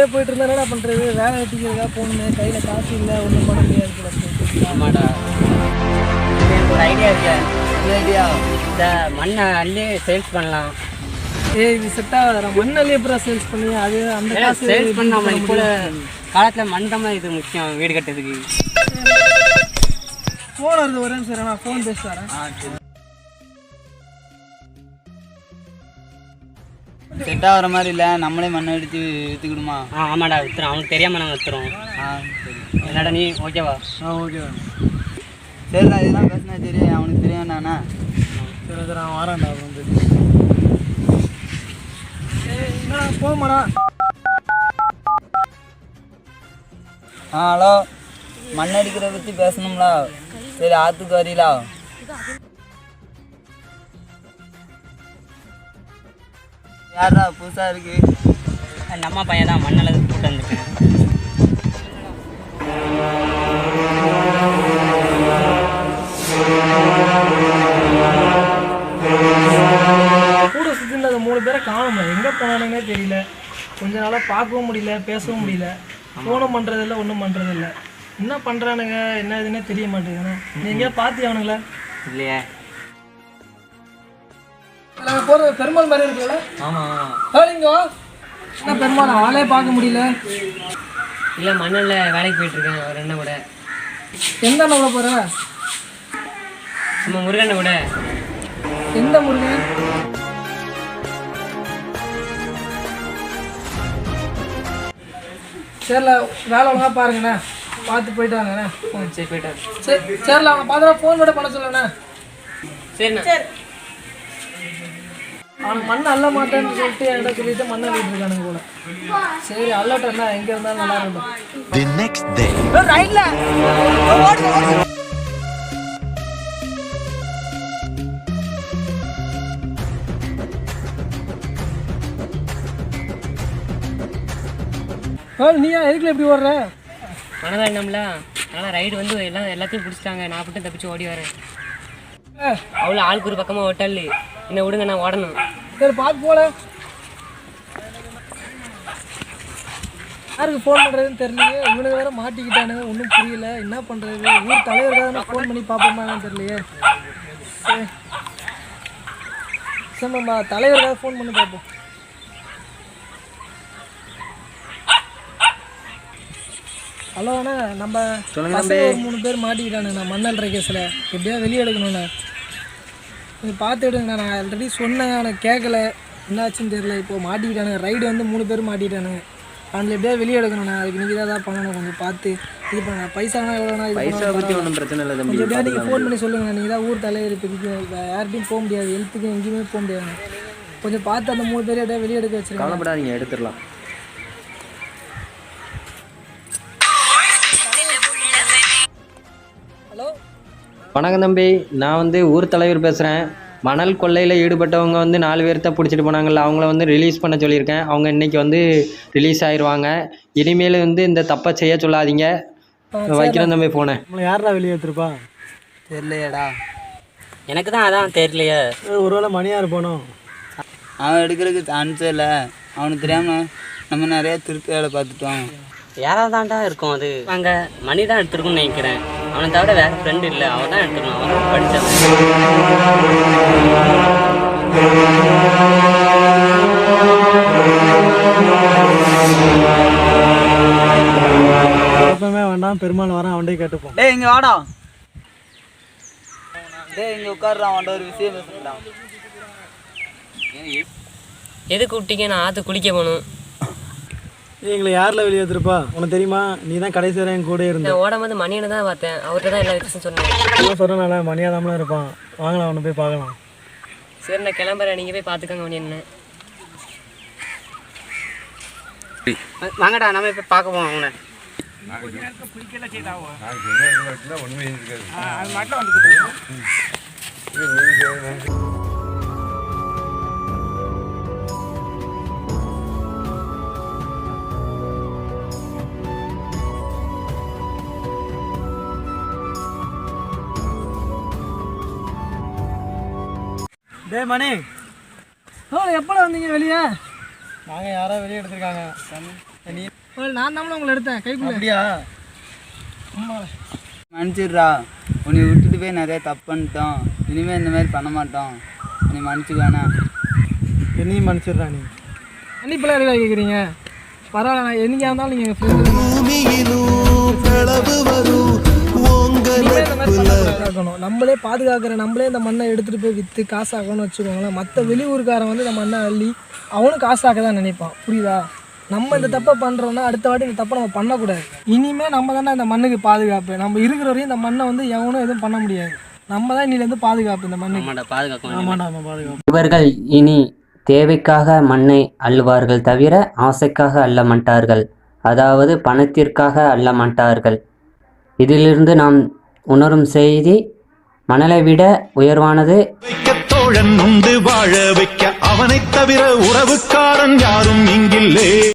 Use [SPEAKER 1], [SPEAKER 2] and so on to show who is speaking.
[SPEAKER 1] இப்படியே போயிட்டு இருந்தா என்ன பண்ணுறது? வேலை வெட்டிக்கிறதா போகணுமே, கையில் காசு இல்லை, ஒன்றும் பண்ண முடியாது.
[SPEAKER 2] ஆமாடா, எனக்கு ஒரு ஐடியா இருக்கு. இந்த ஐடியா இந்த மண்ணை அள்ளி சேல்ஸ் பண்ணலாம்.
[SPEAKER 1] இது செட் ஆகாத. மண்ணல்லி எப்பறம் சேல்ஸ் பண்ணி அது அந்த காசு
[SPEAKER 2] சேல்ஸ் பண்ணாமல் இப்போ காலத்தில் மண் தான் இது முக்கியம் வீடு கட்டுறதுக்கு.
[SPEAKER 1] ஃபோன் வருது, ஒரே நிமிஷம் நான் ஃபோன் பேசி வரேன்.
[SPEAKER 3] செட் ஆகிற மாதிரி இல்லை, நம்மளே மண்ணை எடுத்து விற்றுக்கிடுமா?
[SPEAKER 2] ஆமாடா, விற்றுறோம். அவனுக்கு தெரியாமல் நாங்கள் விற்றுறோம்.
[SPEAKER 3] சரி.
[SPEAKER 2] என்னடா நீ ஓகேவா?
[SPEAKER 1] ஓகேவா.
[SPEAKER 3] சரிண்ணா, இதெல்லாம் பேசினா தெரியும், அவனுக்கு தெரியும் நானா.
[SPEAKER 1] சரி சரி, நான் வரேன்டா. வந்து என்னடா போமாடா.
[SPEAKER 3] ஹலோ, மண் அடிக்கிறத பற்றி பேசணுங்களா? சரி, ஆற்றுக்கு வரீங்களா? யாரா புதுசாக இருக்கு?
[SPEAKER 2] நம்ம பையன் தான் மண்ணளவு கூட்டு வந்துருக்கேன்.
[SPEAKER 1] கூட சுற்றில அந்த 3 பேரை காணுமே, எங்கே போனானுங்கன்னே தெரியல. கொஞ்ச நாளாக பார்க்கவும் முடியல, பேசவும் முடியல, ஃபோனும் பண்ணுறதில்ல, ஒன்றும் பண்ணுறதில்ல. என்ன பண்ணுறானுங்க என்ன இதுன்னே தெரிய மாட்டேங்குதுண்ணே. நீ எங்கேயா பார்த்தி அவனுங்கள?
[SPEAKER 2] இல்லையே.
[SPEAKER 1] நாங்கள் போகிறது பெருமாள் மாதிரி இருக்குல்ல?
[SPEAKER 2] ஆமாம்.
[SPEAKER 1] இங்கே வா. என்ன பெருமாள் ஆளே பார்க்க முடியல?
[SPEAKER 2] இல்லை, மண்ணில் வேலைக்கு போயிட்டுருக்கேன் ஒரு அண்ணன் கூட.
[SPEAKER 1] எந்த அண்ணன் கூட போகிற?
[SPEAKER 2] நம்ம முருகண்ண கூட.
[SPEAKER 1] எந்த முருகன்? சரில, வேலை ஒழுங்காக பாருங்கண்ணே, பார்த்து போயிட்டு வாங்கண்ணே.
[SPEAKER 2] சரி, போயிட்டாரு.
[SPEAKER 1] சரில, அவங்க பார்த்தா ஃபோன் கூட பண்ண சொல்லுண்ணே.
[SPEAKER 2] சரிண்ணா.
[SPEAKER 1] சரி. அவனுக்கு மண் அள்ள மாட்டேன்னு சொல்லிட்டு என்கிட்ட சொல்லிட்டு மண்ணை அள்ளிட்டு இருக்கானுங்க போல. சரி, அள்ளட்டா எங்கே இருந்தாலும் நல்லா இருக்கும். நீயா எதுக்குல எப்படி ஓடுற?
[SPEAKER 2] மனதான் என்னம்ல, ஆனால் ரைடு வந்து எல்லாத்தையும் பிடிச்சிட்டாங்க. நான் மட்டும் தப்பிச்சு ஓடி வரேன். அவ்வளோ ஆளுக்கு ஒரு பக்கமாக ஓட்டல். என்னை விடுங்க, நான் ஓடணும்.
[SPEAKER 1] சரி, பார்த்து போல. யாருக்கு ஃபோன் பண்ணுறதுன்னு தெரியலையே. இவனுக்கு வேறு மாட்டிக்கிட்டானுங்க, ஒன்றும் புரியல. என்ன பண்ணுறது? ஊர் தலைவருக்காக ஃபோன் பண்ணி பார்ப்போமான்னு தெரியலையே. சரி சரிம்மா, தலைவருக்காக ஃபோன் பண்ணி பார்ப்போம். ஹலோ அண்ணா, நம்ம ஒரு 3 பேர் மாட்டிக்கிட்டானுங்கண்ணா மண்ணல்ற கேஸில். எப்படியா வெளியே எடுக்கணுண்ணா, கொஞ்சம் பார்த்து எடுங்கண்ணா. நான் ஆல்ரெடி சொன்னேன், எனக்கு கேட்கல. என்னாச்சுன்னு தெரியல. இப்போது மாட்டிக்கிட்டானுங்க. ரைடு வந்து 3 பேர் மாட்டிக்கிட்டானுங்க. அதில் எப்படியா வெளியே எடுக்கணுண்ணா. அதுக்கு நீங்கள் தான் பண்ணணும். கொஞ்சம் பார்த்து இது பண்ண. பைசானா எவ்வளோண்ணா?
[SPEAKER 4] பைசா பற்றி ஒன்றும் பிரச்சனை இல்லை தம்பி.
[SPEAKER 1] கொஞ்சம் எப்படியா நீங்கள் ஃபோன் பண்ணி சொல்லுங்கண்ணா. நீங்கள் தான் ஊர் தலைவர். இப்போதைக்கு யார்கிட்டையும் போக முடியாது, ஹெல்த்துக்கும் எங்கேயுமே போக முடியாது. கொஞ்சம் பார்த்து அந்த 3 பேர் எப்படியா வெளியே எடுக்க வச்சுருக்கேன்.
[SPEAKER 4] கவலைப்படாதீங்க, எடுத்துடலாம்.
[SPEAKER 1] ஹலோ,
[SPEAKER 4] வணக்கம் தம்பி, நான் வந்து ஊர் தலைவர் பேசுகிறேன். மணல் கொள்ளையில் ஈடுபட்டவங்க வந்து 4 பேர் தான் பிடிச்சிட்டு போனாங்கல்ல, அவங்கள வந்து ரிலீஸ் பண்ண சொல்லியிருக்கேன். அவங்க இன்றைக்கி வந்து ரிலீஸ் ஆயிடுவாங்க. இனிமேல் வந்து இந்த தப்பை செய்ய சொல்லாதீங்க. வைக்கிறேன் தம்பி ஃபோனை.
[SPEAKER 1] நம்மளை யாரா வெளியே எடுத்துருப்பா?
[SPEAKER 3] தெரியலையாடா.
[SPEAKER 2] எனக்கு தான் அதான் தெரியலையே.
[SPEAKER 1] ஒருவேளை மணியார் போனோம்.
[SPEAKER 3] அவன் எடுக்கிறதுக்கு சான்ஸே இல்லை. அவனுக்கு தெரியாமல் நம்ம நிறையா திருப்பி வேலை பார்த்துட்டோம்.
[SPEAKER 2] யாராவது தான்டா இருக்கும். அது அங்கே மணி தான் எடுத்துருக்குன்னு நினைக்கிறேன். அவனை தவிர வேறு ஃப்ரெண்டு இல்லை. அவன் தான் எடுத்துக்கணும். அவன் தான் படித்தவன்.
[SPEAKER 1] எப்பவுமே வேண்டாம், பெருமாள் வரேன், அவன்டே கேட்டுப்போம்.
[SPEAKER 3] டேய், இங்கே வாடா. டேய், இங்கே உட்காடுறான். அவன்கிட்ட ஒரு விஷயம் பேசுகிறான்.
[SPEAKER 2] எது கூப்பிட்டீங்க? நான் ஆற்று குளிக்க போகணும்.
[SPEAKER 1] எங்களை யாரில் வெளியே எடுத்துருப்பா? உனக்கு தெரியுமா? நீ தான் கடைசி வரை என் கூட இருந்தேன்.
[SPEAKER 2] ஓடும் போது மணியனை தான் பார்த்தேன். அவர்கிட்ட தான் எல்லா விஷயம் சொன்னேன்.
[SPEAKER 1] சொல்கிறனால மணியாதாமலாம் இருப்பான். வாங்கலாம், அவனை போய் பார்க்கலாம்.
[SPEAKER 2] சரி, நான் கிளம்புறேன். நீங்கள் போய் பார்த்துக்கோங்க மணி என்ன. வாங்கடா, நம்ம போய் பார்க்க போவோம் அவனை.
[SPEAKER 1] டே மணி, எப்போ வந்தீங்க வெளியே? நாங்கள் யாரோ வெளியே எடுத்துருக்காங்க. நான் தான் உங்களை எடுத்தேன் கைக்குள்ள.
[SPEAKER 5] அப்படியா?
[SPEAKER 3] மன்னிச்சிடுறா, உன்னை விட்டுட்டு போய் நிறைய தப்பு பண்ணிட்டோம். இனிமேல் இந்த மாதிரி பண்ண மாட்டோம். நீ மன்னிச்சுக்கானா?
[SPEAKER 5] என்னையும் மன்னிச்சிடுறா நீ.
[SPEAKER 1] மன்னிப்பெல்லாம் எதுக்காக கேட்குறீங்க? பரவாயில்ல, நான் என்னைக்கா இருந்தாலும் நீங்கள் எங்கள் ஃப்ரெண்டு இருக்கணும். நம்மளே பாதுகாக்கிற நம்மளே இந்த மண்ணை எடுத்துகிட்டு போய் விற்று காசாக்கணும்னு வச்சுக்கோங்களேன். மற்ற வெளியூருக்காரன் வந்து இந்த மண்ணை அள்ளி அவனும் காசாக்க தான் நினைப்பான். புரியுதா? நம்ம இந்த தப்பை பண்ணுறோன்னா அடுத்த வாட்டி இந்த தப்பை நம்ம பண்ணக்கூடாது. இனிமேல் நம்ம தானே இந்த மண்ணுக்கு பாதுகாப்பு. நம்ம இருக்கிற வரையும் இந்த மண்ணை வந்து எவனும் எதுவும் பண்ண முடியாது. நம்ம தான் இன்னிலேருந்து பாதுகாப்பு இந்த மண்ணுக்கு.
[SPEAKER 5] பாதுகாப்பு.
[SPEAKER 6] இவர்கள் இனி தேவைக்காக மண்ணை அள்ளுவார்கள் தவிர ஆசைக்காக அள்ள மாட்டார்கள், அதாவது பணத்திற்காக அள்ள மாட்டார்கள். இதிலிருந்து நாம் உணரும் செய்தி, மணலை விட உயர்வானது
[SPEAKER 7] தோழன் உண்டு வாழ வைக்க, அவனைத் தவிர உறவுக்காரன் யாரும் இங்கில்லே.